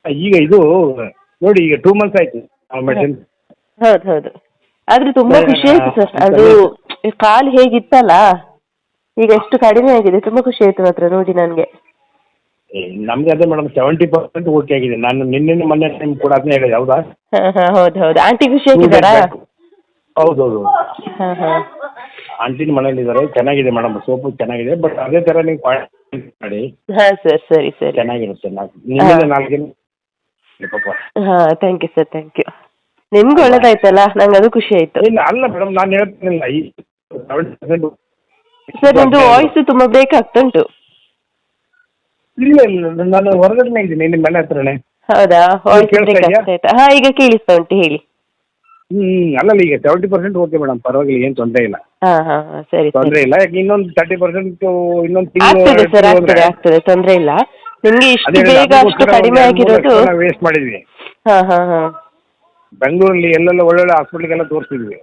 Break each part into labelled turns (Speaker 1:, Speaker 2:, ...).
Speaker 1: ಈಗ ಇದು ನೋಡಿ, ಈಗ 2 ಮಂತ್ಸ್ ಆಯ್ತು ಮೆಡಿಸಿನ್.
Speaker 2: ಹೌದು ಹೌದು. ಆದ್ರೆ ತುಂಬಾ ಖುಷಿ ಆಯ್ತು ಸರ್. ಅದು ಕಾಲು ಹೇಗಿತ್ತಲ್ಲ ಈಗ ಎಷ್ಟು ಕಡಿಮೆ ಆಗಿದೆ. ತುಂಬಾ ಖುಷಿ ಆಯ್ತು ಮಾತ್ರ ನೋಡಿ ನನಗೆ.
Speaker 1: ನಮ್ಗೆ ಅದೇ ಮೇಡಮ್ 70% ಓಕೆ ಆಗಿದೆ. ನಾನು ನಿನ್ನೆ ಮೊನ್ನೆ ನಿಮ್ಗೆ ಕೂಡ ಅದನ್ನೇ ಹೇಳಿದೆ, ಹೌದಾ?
Speaker 2: ಹೌದು ಹೌದು. ಆಂಟಿ ಖುಷಿ ಆಗಿದ್ದಾರಾ?
Speaker 1: ಹೌದೌದು.
Speaker 2: ಹಾಂ
Speaker 1: ಆಂಟಿನ ಮನೇಲಿದ್ದಾರೆ. ಚೆನ್ನಾಗಿದೆ ಮೇಡಮ್, ಸೋಪು ಚೆನ್ನಾಗಿದೆ. ಬಟ್ ಅದೇ ಥರ ನೀವು ಮಾಡಿ.
Speaker 2: ಹಾಂ ಸರ್, ಸರಿ ಸರಿ.
Speaker 1: ಚೆನ್ನಾಗಿರುತ್ತೆ. ನಿಮ್ಮಿಂದ 4 ದಿನ ಪಾಪ.
Speaker 2: ಹಾಂ, thank you sir, thank you. ನಿಮ್ಗೆ ಒಳ್ಳೇದಾಯ್ತಲ್ಲ, ನಂಗೆ ಅದು ಖುಷಿ ಆಯ್ತು.
Speaker 1: ಇಲ್ಲ ಅಲ್ಲ ಮೇಡಮ್, ನಾನು ಹೇಳ್ತೀನಿಲ್ಲ ಈ 70%
Speaker 2: ಸರ್ ನಿಮ್ದು ವಾಯ್ಸ್ ತುಂಬಾ ಬ್ರೇಕ್ ಆಗ್ತುಂಟು.
Speaker 1: ಇಲ್ಲ ಇಲ್ಲ, ನಾನು ಹೊರಗಡೆ ಇದ್ದೀನಿ, ನಿಮ್ಮ ಮನೆ ಹತ್ರನೇ.
Speaker 2: ಹೌದಾ? ವಾಯ್ಸ್ ಬ್ರೇಕ್ ಆಗ್ತಾಯ್ತಾ? ಹಾಂ, ಈಗ ಕೇಳಿಸ್ತಾ ಉಂಟು, ಹೇಳಿ.
Speaker 1: ಅಲ್ಲಲ್ಲ, ಈಗ 70% ಓಕೆ ಮೇಡಮ್, ಪರವಾಗಿಲ್ಲ, ಏನು ತೊಂದರೆ ಇಲ್ಲ.
Speaker 2: ಹಾಂ ಸರಿ,
Speaker 1: ತೊಂದರೆ ಇಲ್ಲ. ಯಾಕೆ ಇನ್ನೊಂದು 30% ಇನ್ನೊಂದು
Speaker 2: ಆಗ್ತದೆ ಸರ್, ಆಗ್ತದೆ, ತೊಂದರೆ ಇಲ್ಲ. ನಿಮ್ಗೆ ಇಷ್ಟು ಬೇಗ ಅಷ್ಟು ಕಡಿಮೆ ಆಗಿರೋದು
Speaker 1: ವೇಸ್ಟ್ ಮಾಡಿದ್ವಿ.
Speaker 2: ಹಾಂ
Speaker 1: ಬೆಂಗಳೂರಲ್ಲಿ ಎಲ್ಲೆಲ್ಲ ಒಳ್ಳೊಳ್ಳೆ ಹಾಸ್ಪಿಟ್ಲಿಗೆಲ್ಲ ತೋರಿಸಿದ್ವಿ.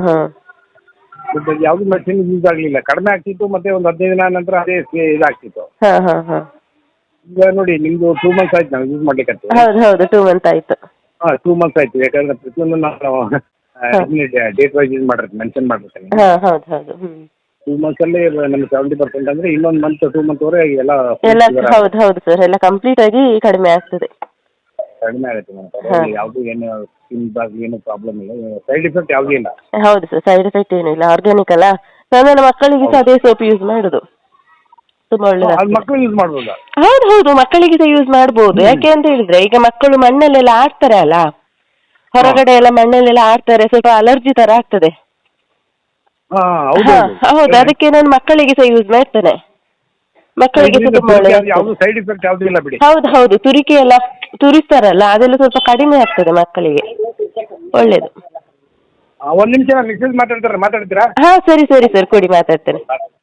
Speaker 1: ಬಟ್ ಯಾವ್ದು ಮೆಡಿಸಿನ್ ಯೂಸ್ ಆಗಲಿಲ್ಲ. ಕಡಿಮೆ ಆಗ್ತಿತ್ತು, ಮತ್ತೆ ಒಂದು 15 ದಿನ ನಂತರ ಅದೇ ಇದಾಗ್ತಿತ್ತು. ಈಗ ನೋಡಿ, ನಿಮ್ದು 2 ಮಂತ್ಸ್ ಆಯ್ತು ನಾವು ಯೂಸ್ ಮಾಡ್ಲಿಕ್ಕೆ.
Speaker 2: ಹೌದು 2 ಮಂತ್ ಆಯ್ತು.
Speaker 1: 2 ಮಂತ್ಸ್ ಆಯ್ತು. ಯಾಕಂದ್ರೆ ಪ್ರತಿಯೊಂದು ನಾನು ಡೇಟ್ ವೈಸ್ ಯೂಸ್ ಮಾಡಿರ್ತೀನಿ, ಮೆನ್ಷನ್ ಮಾಡಿರ್ತೀನಿ.
Speaker 2: ಹೌದು.
Speaker 1: 2 ಮಂತ್ಸ್ ಅಲ್ಲಿ ನಮ್ಗೆ 70% ಅಂದ್ರೆ ಇನ್ನೊಂದು ಮಂತ್ 2 ಮಂತ್ ವರೆಗೆ ಎಲ್ಲ
Speaker 2: ಹೌದು ಸರ್, ಎಲ್ಲ ಕಂಪ್ಲೀಟ್ ಆಗಿ ಕಡಿಮೆ ಆಗ್ತದೆ.
Speaker 1: ಕಡಿಮೆ ಆಗುತ್ತೆ ಮೇಡಮ್. ಯಾವುದು ಏನು ಸ್ಕಿನ್ ಏನು ಪ್ರಾಬ್ಲಮ್ ಇಲ್ಲ, ಸೈಡ್ ಎಫೆಕ್ಟ್ ಯಾವುದೂ ಇಲ್ಲ.
Speaker 2: ಹೌದು ಸರ್, ಸೈಡ್ ಎಫೆಕ್ಟ್ ಏನೂ ಇಲ್ಲ, ಆರ್ಗ್ಯಾನಿಕ್ ಅಲ್ಲ. ನನ್ನ ಮಕ್ಕಳಿಗೆ ಸಹ ಅದೇ ಸೋಪ್ ಯೂಸ್ ಮಾಡುದು. ತುಂಬಾ ಒಳ್ಳೆದು.
Speaker 1: ಮಕ್ಕಳು ಯೂಸ್ ಮಾಡ್ಬೋದಾ?
Speaker 2: ಹೌದು, ಮಕ್ಕಳಿಗೆ ಸಹ ಯೂಸ್ ಮಾಡ್ಬೋದು. ಯಾಕೆ ಅಂತ ಹೇಳಿದ್ರೆ, ಈಗ ಮಕ್ಕಳು ಮಣ್ಣಲ್ಲೆಲ್ಲ ಆಡ್ತಾರೆ ಅಲ್ಲ, ಹೊರಗಡೆ ಎಲ್ಲ ಮಣ್ಣಲ್ಲೆಲ್ಲ ಆಡ್ತಾರೆ, ಸ್ವಲ್ಪ ಅಲರ್ಜಿ ತರ ಆಗ್ತದೆ. ಹೌದು, ಅದಕ್ಕೆ ನಾನು ಮಕ್ಕಳಿಗೆ ಸಹ ಯೂಸ್ ಮಾಡ್ತೇನೆ. ಮಕ್ಕಳಿಗೆ ಸಹ ತುಂಬಾ ಒಳ್ಳೆದು.
Speaker 1: ಸೈಡ್ ಎಫೆಕ್ಟ್ ಯಾವುದೂ ಇಲ್ಲ ಬಿಡಿ.
Speaker 2: ಹೌದು, ತುರಿಕೆ ಎಲ್ಲ ತುರಿಸ್ತಾರಲ್ಲ, ಅದೆಲ್ಲ ಸ್ವಲ್ಪ ಕಡಿಮೆ ಆಗ್ತದೆ ಮಕ್ಕಳಿಗೆ, ಒಳ್ಳೇದು.
Speaker 1: ಒಂದು ನಿಮಿಷ, ಮಿಸ್ಸಸ್ ಮಾತಾಡ್ತೀರಾ?
Speaker 2: ಸರಿ ಸರ್, ಕೊಡಿ, ಮಾತಾಡ್ತೇನೆ.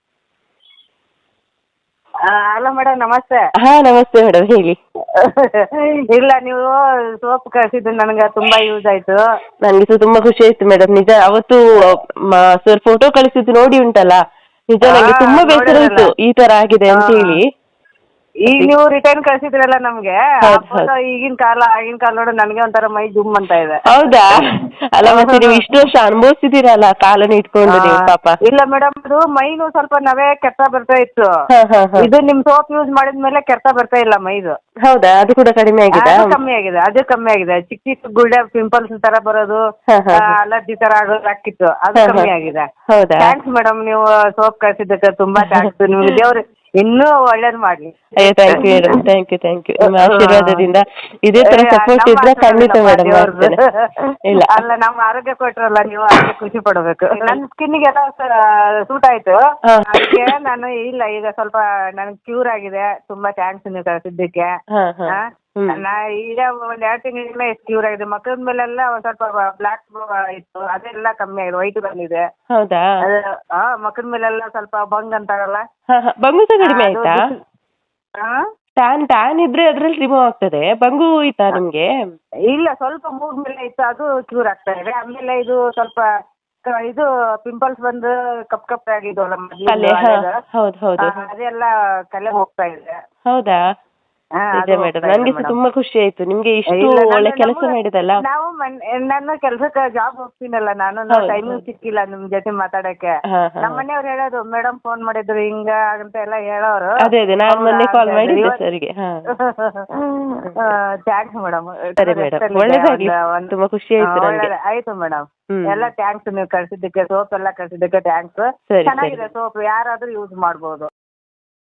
Speaker 3: ಹಲೋ ಮೇಡಮ್, ನಮಸ್ತೆ.
Speaker 2: ನಮಸ್ತೆ ಮೇಡಮ್, ಹೇಳಿ.
Speaker 3: ಇಲ್ಲ, ನೀವು ಸೋಪ್ ಕಳಿಸಿದ್ದು ನನಗೆ ತುಂಬಾ ಯೂಸ್ ಆಯ್ತು.
Speaker 2: ನನಗೆ ಸಹ ತುಂಬಾ ಖುಷಿ ಆಯ್ತು ಮೇಡಮ್. ನಿಜ, ಅವತ್ತು ಸರ್ ಫೋಟೋ ಕಳಿಸಿದ್ದು ನೋಡಿ ಉಂಟಲ್ಲ, ನಿಜ ನಂಗೆ ತುಂಬಾ ಬೇಸರ ಆಯ್ತು ಈ ತರ ಆಗಿದೆ ಅಂತ ಹೇಳಿ.
Speaker 3: ಈಗ ನೀವು ರಿಟರ್ನ್ ಕಳ್ಸಿದ್ರಲ್ಲ ನಮ್ಗೆ, ಈಗಿನ ಕಾಲ ಆಗಿನ ಕಾಲ ನೋಡಿ ನನಗೆ ಒಂಥರ ಮೈ ಜುಮ್ ಅಂತ ಇದೆ.
Speaker 2: ಹೌದಾ? ಅಲ್ಲ, ಮತ್ತೆ ನೀವು ಇಷ್ಟು ವರ್ಷ ಅನುಭವಿಸಿದಿರಲ್ಲ ಕಾಲನ್ನ ಇಟ್ಕೊಂಡು ನೀವು, ಪಾಪ.
Speaker 3: ಇಲ್ಲ ಮೇಡಮ್, ಅದು ಮೈನು ಸ್ವಲ್ಪ ನವೆ ಕೆಟ್ಟ ಬರ್ತಾ ಇತ್ತು. ಇದು ನಿಮ್ ಸೋಪ್ ಯೂಸ್ ಮಾಡಿದ್ಮೇಲೆ ಕೆಟ್ಟ ಬರ್ತಾ ಇಲ್ಲ ಮೈದು.
Speaker 2: ಹೌದಾ? ಅದು ಕೂಡ ಕಡಿಮೆ ಆಗಿದೆ?
Speaker 3: ಅದು ಕಮ್ಮಿ ಆಗಿದೆ. ಚಿಕ್ಕ ಚಿಕ್ಕ ಗುಳ್ಳೆ ಪಿಂಪಲ್ಸ್ ತರ ಬರೋದು, ಅಲರ್ಜಿ ತರ ಆಗೋದು ಆಗ್ತಿತ್ತು, ಅದು ಕಮ್ಮಿ ಆಗಿದೆ.
Speaker 2: ಹೌದಾ?
Speaker 3: ಥ್ಯಾಂಕ್ಸ್ ಮೇಡಮ್, ನೀವು ಸೋಪ್ ಕಳ್ಸಿದ್ದಕ್ಕೆ ತುಂಬಾ ಥ್ಯಾಂಕ್ಸ್. ನಿಮ್ಗೆ ದೇವ್ರು ಇನ್ನೂ ಒಳ್ಳೇದ್ ಮಾಡ್ಲಿ.
Speaker 2: Thank you madam, thank you. ನಿಮ್ಮ ಆಶೀರ್ವಾದದಿಂದ ಇದೇ ತರ ಸಪೋರ್ಟ್ ಇದ್ರೆ ಖಂಡಿತ ಮೇಡಮ್ ಮಾಡ್ತೇನೆ. ಇಲ್ಲ
Speaker 3: ಅಲ್ಲ, ನಮ್ಮ ಆರೋಗ್ಯ ಕೊಟ್ರಲ್ಲ ನೀವು, ಅದಕ್ಕೆ ಖುಷಿ ಪಡ್ಬೇಕು. ನನ್ನ ಸ್ಕಿನ್ನಿಗೆಲ್ಲ ಸೂಟ್ ಆಯ್ತು. ಅದಕ್ಕೆ ನಾನು ಇಲ್ಲ, ಈಗ ಸ್ವಲ್ಪ ನನಗೆ ಕ್ಯೂರ್ ಆಗಿದೆ. ತುಂಬಾ ಥ್ಯಾಂಕ್ಸ್ ನೀವು ಕಳ್ಸಿದ್ದಕ್ಕೆ. ಈಗ ಒಂದ್ 2 ತಿಂಗಳಿಂದ ಎಷ್ಟು ಕ್ಯೂರ್ ಆಗಿದೆ. ಮಕ್ಕಳ ಮೇಲೆಲ್ಲ ಒಂದ್ ಸ್ವಲ್ಪ ಬ್ಲಾಕ್ ಇತ್ತು, ಅದೆಲ್ಲ ಕಮ್ಮಿ ಆಗಿದೆ, ವೈಟ್ ಬಂದಿದೆ.
Speaker 2: ಹೌದಾ?
Speaker 3: ಮಕ್ಕಳ ಮೇಲೆಲ್ಲ ಸ್ವಲ್ಪ ಬಂಗ್ ಅಂತಾರಲ್ಲ,
Speaker 2: ಬಂಗು ಸಹ ಕಡಿಮೆ ಆಯ್ತಾ? ಟ್ಯಾನ್ ಇದ್ರೆ ಅದ್ರಲ್ಲಿ ರಿಮೂವ್ ಆಗ್ತದೆ. ಬಂಗು ಇತ್ತಾ ನಿಮ್ಗೆ? ಇಲ್ಲ,
Speaker 3: ಸ್ವಲ್ಪ ಮೂಗ್ ಮೇಲೆ ಇತ್ತು, ಅದು ಕ್ಯೂರ್ ಆಗ್ತಾ ಇದೆ. ಆಮೇಲೆ ಇದು ಸ್ವಲ್ಪ ಇದು ಪಿಂಪಲ್ಸ್ ಬಂದು ಕಪ್ ಆಗಿದ್ವಲ್ಲ, ಅದೆಲ್ಲ ಕಲೆ ಹೋಗ್ತಾ ಇದೆ.
Speaker 2: ಹೌದಾ? ಇದೆ ಮೇಡಮ್, ನನ್ಗೆ ಸಹ ತುಂಬಾ ಖುಷಿ ಆಯ್ತು. ನಿಮ್ಗೆ ಇಷ್ಟು ಒಳ್ಳೆ ಕೆಲಸ ಮಾಡಿದಲ್ಲ.
Speaker 3: ನನ್ನ ಕೆಲ್ಸಕ್ಕೆ ಜಾಬ್ ಹೋಗ್ತೀನಲ್ಲ ನಾನು, ಟೈಮಿಂಗ್ ಸಿಕ್ಕಿಲ್ಲ ನಿಮ್ ಜೊತೆ ಮಾತಾಡಕ್ಕೆ. ನಮ್ಮ ಮನೆಯವ್ರು ಹೇಳೋದು, ಮೇಡಮ್ ಫೋನ್ ಮಾಡಿದ್ರು ಹಿಂಗ ಅಂತ ಎಲ್ಲ ಹೇಳೋರು.
Speaker 2: ಅದೇ ನಾನು ಮೊನ್ನೆ ಕಾಲ್ ಮಾಡಿದ್ದೆ ಸರ್ಗೆ.
Speaker 3: Thanks madam.
Speaker 2: ಸರಿ ಮೇಡಮ್, ಒಳ್ಳೇದಾಗ್ಲಿ. ತುಂಬಾ ಖುಷಿ ಆಯ್ತು ನನಗೆ.
Speaker 3: ಆಯ್ತು ಮೇಡಮ್, ಎಲ್ಲ ಥ್ಯಾಂಕ್ಸ್. ನೀವು ಕಳ್ಸಿದ್ದಕ್ಕೆ, ಸೋಪ್ ಎಲ್ಲ ಕಳ್ಸಿದ್ದಕ್ಕೆ ಥ್ಯಾಂಕ್ಸ್. ಚೆನ್ನಾಗಿದೆ ಸೋಪ್, ಯಾರಾದ್ರೂ ಯೂಸ್ ಮಾಡ್ಬೋದು.